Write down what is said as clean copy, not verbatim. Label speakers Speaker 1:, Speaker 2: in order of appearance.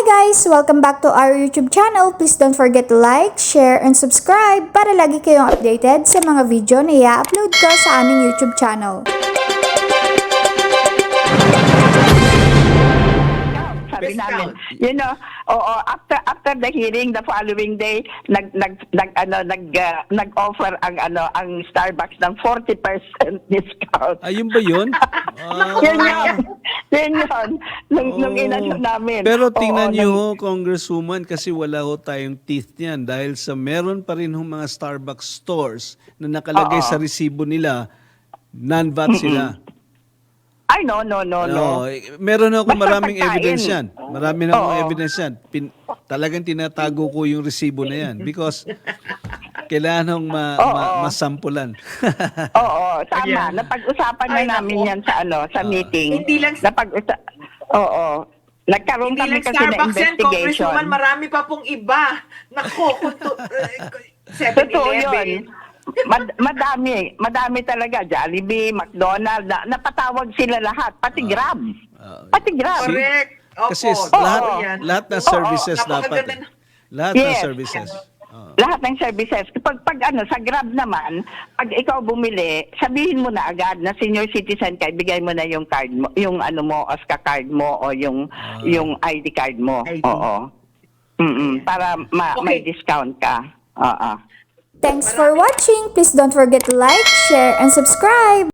Speaker 1: guys! Welcome back to our YouTube channel. Please don't forget to like, share, and subscribe para lagi kayong updated sa mga video na i-upload ko sa aming YouTube channel.
Speaker 2: Sabi namin, you know, after the hearing, the following day, nag-offer ang Starbucks ng 40% discount.
Speaker 3: Ayun ba yun?
Speaker 2: Yun yun. Nung inano namin.
Speaker 3: Pero tingnan nyo, Congresswoman, kasi wala ho tayong teeth niyan dahil sa meron pa rin mga Starbucks stores na nakalagay sa resibo nila, non-VAT sila.
Speaker 2: Ay, no.
Speaker 3: Meron ako
Speaker 2: Basta
Speaker 3: maraming
Speaker 2: pagkain.
Speaker 3: evidence yan. Marami na akong evidence yan. Talagang tinatago ko yung resibo na yan because kailangan hong masampulan.
Speaker 2: Oo, tama. Napag-usapan na namin yan sa meeting.
Speaker 4: Hindi lang
Speaker 2: Nagkaroon
Speaker 4: Hindi
Speaker 2: kami
Speaker 4: lang
Speaker 2: kasi na
Speaker 4: Starbucks yan,
Speaker 2: investigation.
Speaker 4: Congresswoman, marami pa pong iba. Nako,
Speaker 2: Totoo
Speaker 4: 7-Eleven.
Speaker 2: yun. Madami talaga. Jollibee, McDonald's, napatawag sila lahat. Pati Grab. Pati Grab.
Speaker 4: Correct. Opo,
Speaker 3: Kasi lahat ng services dapat. Lahat ng services.
Speaker 2: Lahat ng services. Pag sa Grab naman, pag ikaw bumili, sabihin mo na agad na senior citizen ka, ibigay mo na yung card mo, yung OSCA card mo o yung ID card mo.
Speaker 4: ID.
Speaker 2: Oo. Para may discount ka. Oo.
Speaker 1: Thanks for watching! Please don't forget to like, share, and subscribe!